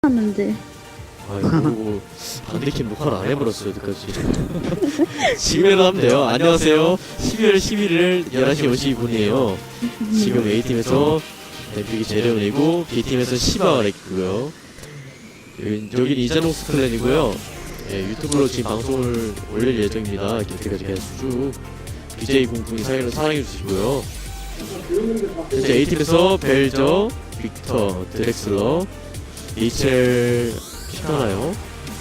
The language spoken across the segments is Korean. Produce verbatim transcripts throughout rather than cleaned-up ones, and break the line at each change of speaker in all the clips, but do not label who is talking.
하는지.
아이고, 뭐, 반대캠 녹화를 안 해버렸어요, 여기까지. 지금이라도 하면 돼요. 안녕하세요. 십이월 십일일 열한 시 오십이 분이에요. 지금 A팀에서 엠피기 제레온이고, B팀에서 시바가 렉이고요. 여긴 이자녹스 클랜이고요. 예, 유튜브로 지금 방송을 올릴 예정입니다. 이렇게까지 계속 쭉 비제이 공풍이 사연을 사랑해주시고요. 현재 A팀에서 벨저, 빅터, 드렉슬러, 리첼 시카나요.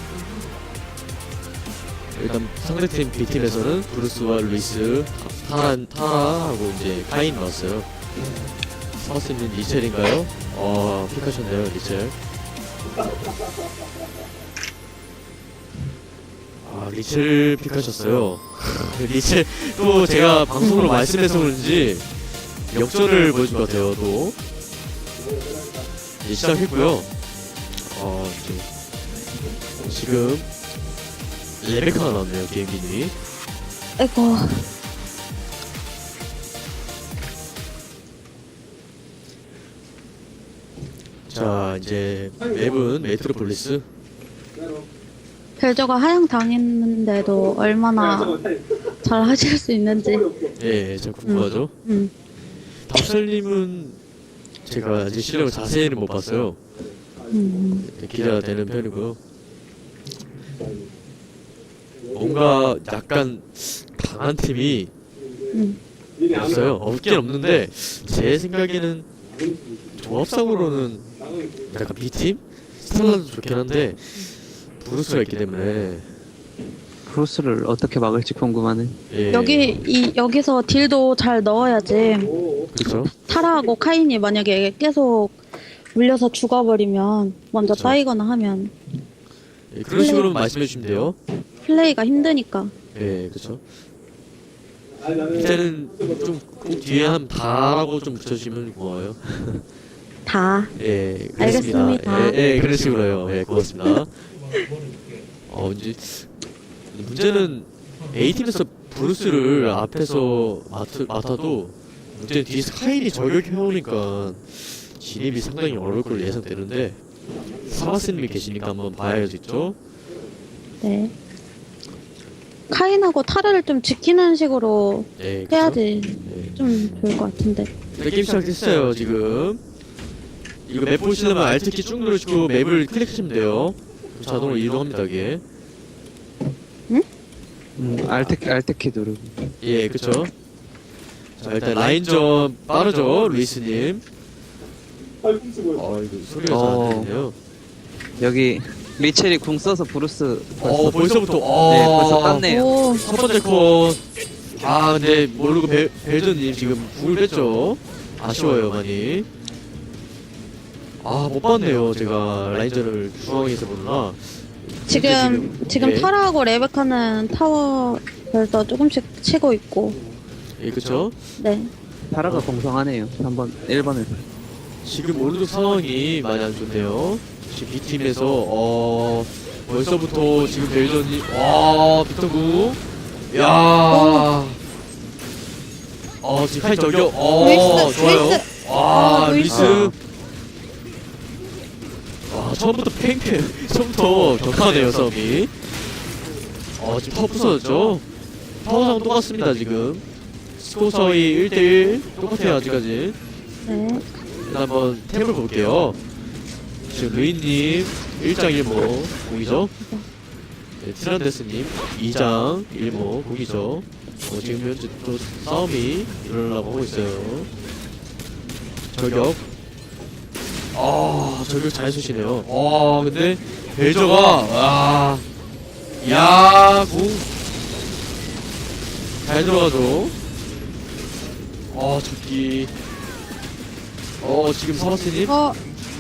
일단 상대팀 B팀에서는 브루스와 루이스, 타라, 타라하고 이제 카인 나왔어요. 사바스님 리첼인가요? 어, 픽하셨네요, 리첼. 아, 리첼 픽하셨어요. 리첼, 또 제가 방송으로 말씀해서 그런지 역전을 보여준 것 같아요, 또. 이제 시작했고요. 어, 이제 지금 레베카가 나왔네요, 비행기님이.
아이고.
자, 이제 맵은 메트로폴리스.
벨저가 하향 당했는데도 얼마나 잘 하실 수 있는지.
예, 참 궁금하죠?
음.
답설님은 제가 아직 실력을 자세히는 못 봤어요.
음.
기대가 되는 편이고요. 뭔가 약간 강한 팀이
음.
없어요. 없긴 없는데 제 생각에는 조합상으로는 약간 B팀? 스텔라도 좋긴 한데 브루스가 있기 때문에
브루스를 어떻게 막을지 궁금하네.
예.
여기 이 여기서 딜도 잘 넣어야지.
그렇죠?
타라하고 카인이 만약에 계속 물려서 죽어버리면 먼저
그쵸.
따이거나 하면
예, 그런 식으로 말씀해 주시면 돼요.
플레이가 힘드니까.
예, 그렇죠. 이제는 좀 꼭 뒤에 한 다라고 좀 붙여주시면 고마워요.
다.
예, 그렇습니다.
알겠습니다.
예, 예, 그런 식으로요. 예, 고맙습니다. 어, 이제 문제는 A팀에서 브루스를 앞에서 맡, 맡아도 문제는 뒤에서 카인이 저격해오니까 진입이 상당히 어려울 걸로 예상되는데 사바스님이 계시니까 한번 봐야겠죠?
네. 카인하고 타라를 좀 지키는 식으로
예, 그쵸?
해야지
예.
좀 좋을 것 같은데.
네, 게임 시작됐어요, 지금. 이거 맵 보시려면 Alt키 쭉 누르시고 맵을 클릭하시면 돼요. 자동으로 이동합니다, 이게.
음, 알트, 알트키 누르고.
예, 그쵸. 자, 일단 라인전 빠르죠, 루이스님. 어, 이거 소리가 잘
어.
안 들리네요.
여기 리첼이 궁 써서 브루스
어, 벌써부터, 어.
네, 벌써 땄네요.
오.
첫 번째 컷. 아, 근데 모르고 벨, 벨전님 지금 궁을 뺐죠. 아쉬워요, 많이. 아, 못 봤네요, 제가 라인전을 중앙에서 보느라.
지금 지금
예.
타라하고 레베카는 타워 별도 조금씩 치고 있고.
예, 그쵸.
네.
타라가 공성하네요. 한번 일 번을.
지금 오른쪽 상황이 많이 안 좋네요. 지금 B팀에서, 어, 벌써부터 지금 벨전이, 와, 빅터구. 야 어, 지금 카인 저격, 어,
루이스,
좋아요.
루이스.
와,
아,
루이스.
루이스.
와, 처음부터 팽팽, 처음부터 격하네요, 싸움이. 어, 지금 타워 부서졌죠? 타워 상황 똑같습니다, 지금. 스코어 차이 일 대일. 똑같아요, 아직까지.
네.
일단 한번 탭을 볼게요. 지금 루이님 일 장 일 모 공이죠. 네, 티란데스님 이 장 일 모 공이죠. 어, 지금 현재 또 싸움이 일어나려고 하고 있어요. 저격. 아, 저격 잘 쏘시네요. 아, 근데 벨저가 아, 야, 공 잘 들어가죠. 아, 잡기. 어, 지금 사바스님
어.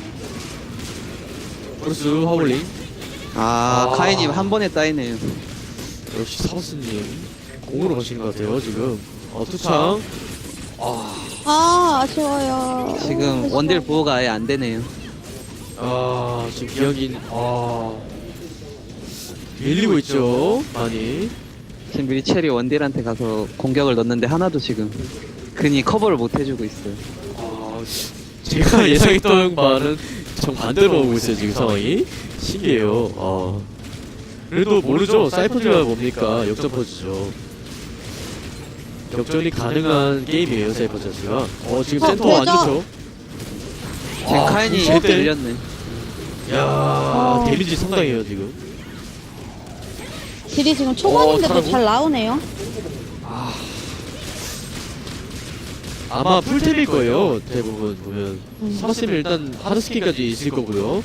브루스 하울링.
아,
아.
카이님 한 번에 따이네요.
역시 사바스님 공으로 가시는 것 같아요 지금. 어, 투창. 아,
아, 아쉬워요.
지금 원딜 보호가 아예 안 되네요.
아 지금 기억인. 아, 밀리고 있죠 많이.
지금 리첼이 원딜한테 가서 공격을 넣는데 하나도 지금 근이 커버를 못 해주고 있어요.
아, 제가 예상했던 바는 정반대로 오고 있어요 지금 상황이. 신기해요. 아. 그래도 모르죠. 사이퍼즈가 뭡니까? 역전 퍼즈죠. 역전이 가능한 게임이에요 사이퍼 자체가. 어 지금
어,
센터 안
되죠?
좋죠.
지금
아,
카인이
제때?
들렸네.
야
어.
데미지 상당해요 지금.
딜이 지금 초반인데도
잘하고?
잘 나오네요.
아마 풀템일 거예요 대부분 보면.
음.
사바스는 일단 하드스킨까지 있을 거고요.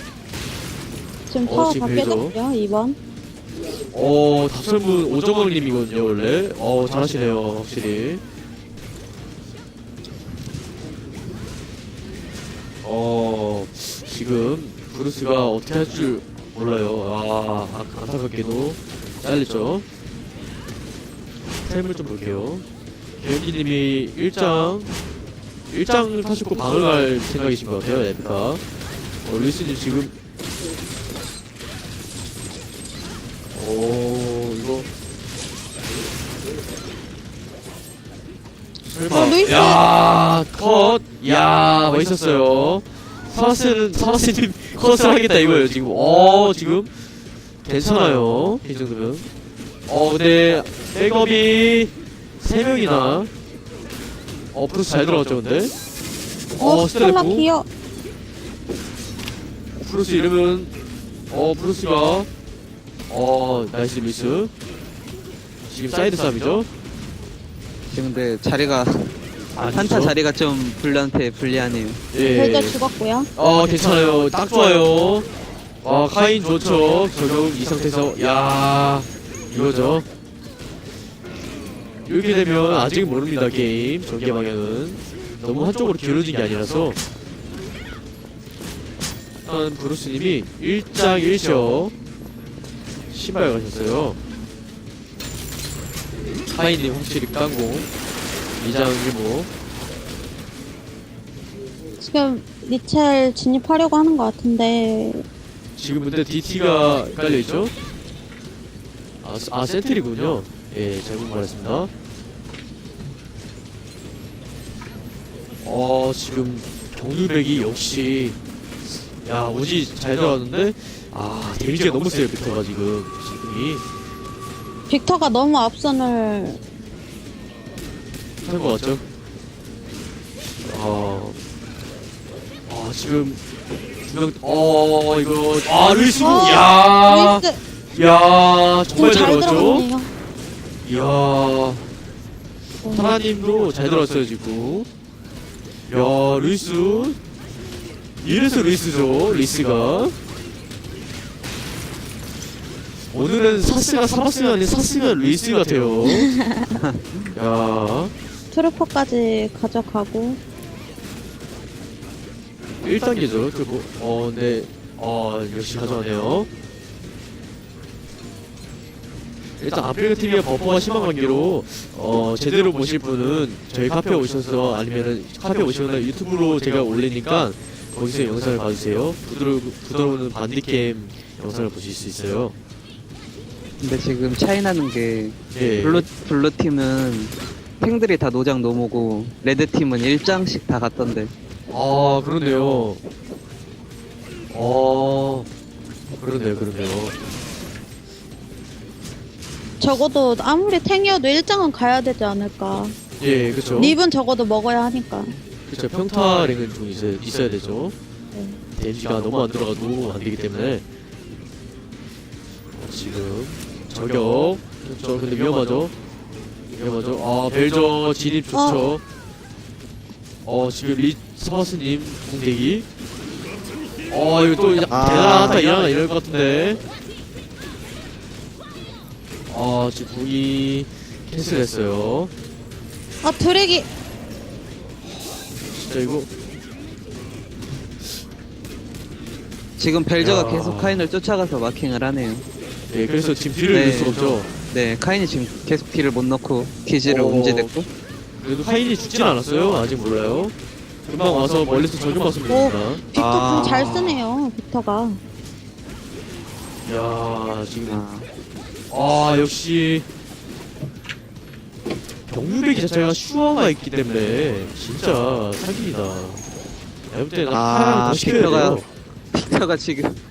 지금
어,
타워
지금
다
그래도.
깨졌고요. 이 번.
어 답설문 오정원님이거든요 원래. 어 잘하시네요 확실히. 어 지금 브루스가 어떻게 할 줄 몰라요. 아 아, 안타깝게도 잘렸죠. 템을 좀 볼게요. 개연기님이 일 장 일 장을 타시고 방을 갈 생각이신 것 같아요 에피카. 어 루이스님 지금 오 이거 설마.
어, 루이스!
야 컷! 야 멋있었어요. 사바스는 사바스님 컷을 하겠다 이거예요 지금. 어 지금 괜찮아요 이 정도면. 어 근데 백업이 세 명이나. 어 브루스 잘 들어갔죠 근데.
어,
어
스텔라
스텔레프
기어.
브루스 이름은 어 브루스가 어 나이스 미스. 지금 사이드 싸움이죠.
지금 근데 자리가
아니죠?
한타 자리가 좀 블루한테 불리하네요.
예.
별자 죽었고요.
어 괜찮아요 딱 좋아요. 아 카인 좋죠. 적용 이 상태에서 야 이거죠. 이렇게 되면 아직 모릅니다 게임 전개 방향은. 너무 한쪽으로 기울어진 게 아니라서. 일단 브루스님이 일 장 일 셔 신발 가셨어요. 카인님 확실히 깡공 이 장 일 모.
지금 리첼 진입하려고 하는 것 같은데
지금 근데 디티가 깔려있죠? 아, 아 센트리군요. 예, 잘못 말했습니다. 어, 지금 경유백이 역시 야, 오지 잘 들어갔는데 아, 데미지가 너무 세요, 빅터가 지금 지금이
빅터가 너무 앞선을
한 것 같죠? 아, 아 지금 두명 어, 이거 아, 루이스
어,
야,
루이스
야, 정말 잘
잘
들어갔죠?
들어갔네요.
이야, 타라님도 잘 들었어요 지금. 야 루이스 이래서 루이스죠. 루이스가 오늘은 사스가 사바스가 아닌 사스가 루이스 같아요. 야
트루퍼까지 가져가고
일 단계죠 그리고 어 근데 어 역시 가져가네요. 일단 아프리카 티비와 버퍼가 심한 관계로 어 제대로 보실 분은 저희 카페 오셔서 아니면은 카페 오시거나 유튜브로 제가 올리니까 거기서 영상을 봐주세요. 부드러 부드러운 반디캠 영상을 보실 수 있어요.
근데 지금 차이 나는 게
예.
블루 블루 팀은 탱들이 다 노장 노모고 레드 팀은 일 장씩 다 갔던데.
아 그렇네요. 어 그렇네요, 그렇네요.
적어도 아무리 탱이어도 일장은 가야 되지 않을까.
예, 그렇죠.
립은 적어도 먹어야 하니까.
그렇죠. 평타랭은 좀 있어야, 있어야 되죠.
네.
데미지가 너무 안 들어가도 안 되기 때문에. 지금 저격. 그렇죠. 근데 위험하죠. 위험하죠. 아 벨저 진입 좋죠. 어 지금 리 스마스님 공대기. 어 이거 또
아.
대단하다 일어나 이럴 것 같은데. 아 지금 궁이 캔슬했어요.
아 드래기.
진짜 이거
지금 벨저가
야.
계속 카인을 쫓아가서 마킹을 하네요.
예 그래서 지금 뒤를
네.
넣을 수 없죠.
네, 카인이 지금 계속 딜을 못 넣고 기지를
어.
움직였고.
그래도 카인이 죽진 않았어요. 아직 몰라요. 금방 와서 멀리서 적용 봤으면
오.
됩니다.
빅터
아.
궁 잘 쓰네요. 빅터가.
야 지금
아,
아 역시 경유배기 자체가 슈어가 있기 때문에 진짜 사기이다. 내가 볼 때는
아,
하나를 더 시켜야
빅터가-
돼요.
빅터가 지금